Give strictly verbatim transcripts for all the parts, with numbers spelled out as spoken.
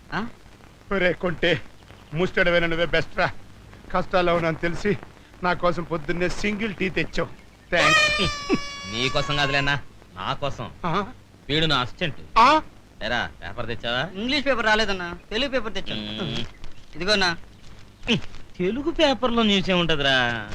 ఆ? ఒరే కొంటే ముస్టడవైన నువ్వే బెస్ట్ రా. కష్టాల్లో ఉన్నాను తెలిసి నా కోసం పొద్దున్నే సింగిల్ టీ తెచ్చావు. థ్యాంక్స్. నీకోసం కాదులేనా, నా కోసం. వీడు నా అసిస్టెంట్. ఎరా పేపర్ తెచ్చావా? ఇంగ్లీష్ పేపర్ రాలేదన్నా, తెలుగు పేపర్ తెచ్చాను. మ్మ్. ఇదిగోనా. తెలుగు పేపర్లో న్యూస్ ఏముంటదిరా?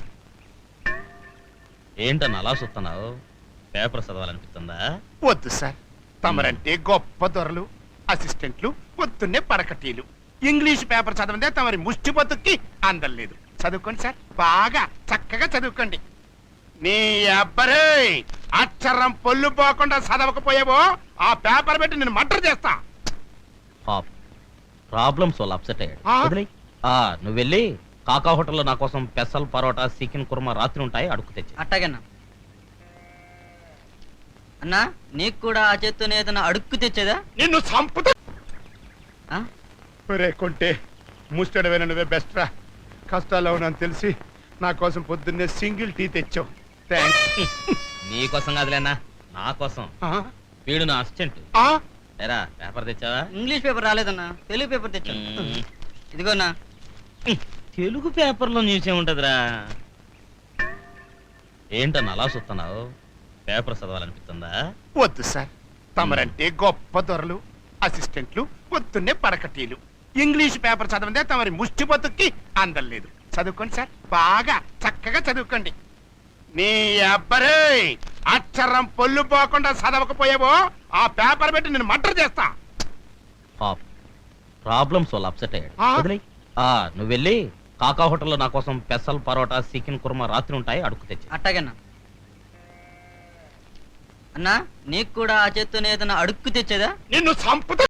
ఏంటన్నా అలా చూస్తున్నావు? పేపర్ చదవాలనిపిస్తుందా? వద్దు సార్, తమరంటే గొప్ప దొరలు, అసిస్టెంట్లు, పొద్దున్నే పడకటీలు. ఇంగ్లీష్ పేపర్ చదవందే తమరి ముష్టి బతుక్కి అందలేదు. చదువుకోండి సార్, బాగా చక్కగా చదువుకోండి. నీ అబ్బరే అక్షరం పొల్లు పోకుండా చదవకపోయావో ఆ పేపర్ పెట్టి నేను మర్డర్ చేస్తా. పాప్ ప్రాబ్లమ్స్ వాళ్ళు అప్సెట్ అయ్యాడు. ఆ? వదిలేయ్. ఆ నువ్వు వెళ్ళి కాకా హోటల్లో నా కోసం పెసల్ పరోటా చికెన్ కుర్మా రాత్రి ఉంటాయి, అడుగు తెచ్చి. అట్టాగన్నా. అన్నా నీకు కూడా ఆ చేత్తోనే ఏదైనా అడుక్కు తెచ్చేదా? నిన్ను చంపుతా. ఆ? ఒరే కొంటే ముస్టడవైన నువ్వే బెస్ట్ రా. కష్టాల్లో ఉన్నాను తెలిసి నా కోసం పొద్దున్నే సింగిల్ టీ తెచ్చావు. థ్యాంక్స్. నీకోసం కాదులేనా, నా కోసం. వీడు నా అసిస్టెంట్. ఎరా పేపర్ తెచ్చావా? ఇంగ్లీష్ పేపర్ రాలేదన్నా, తెలుగు పేపర్ తెచ్చాను. మ్మ్. ఇదిగోనా. తెలుగు పేపర్లో న్యూస్ ఏముంటదిరా? ఏంటన్నా అలా చూస్తున్నావు? పేపర్ చదవాలనిపిస్తుందా? వద్దు సార్, తమరంటే గొప్ప దొరలు, అసిస్టెంట్లు, పొద్దున్నే పడకటీలు. ఇంగ్లీష్ పేపర్ చదవందే తమరి ముష్టి బతుక్కి అందలేదు. చదువుకోండి సార్, బాగా చక్కగా చదువుకోండి. నీ అబ్బరే అక్షరం పొల్లు పోకుండా చదవకపోయావో ఆ పేపర్ పెట్టి నేను మర్డర్ చేస్తా. పాప్ ప్రాబ్లమ్స్ వాళ్ళు అప్సెట్ అయ్యాడు. ఆ? వదిలేయ్. ఆ నువ్వు వెళ్ళి కాకా హోటల్లో నా కోసం పెసల్ పరోటా చికెన్ కుర్మా రాత్రి ఉంటాయి, అడుగు తెచ్చి. అట్టాగన్నా. అన్నా నీకు కూడా ఆ చేత్తోనే ఏదైనా అడుక్కు తెచ్చేదా? నిన్ను చంపుతా.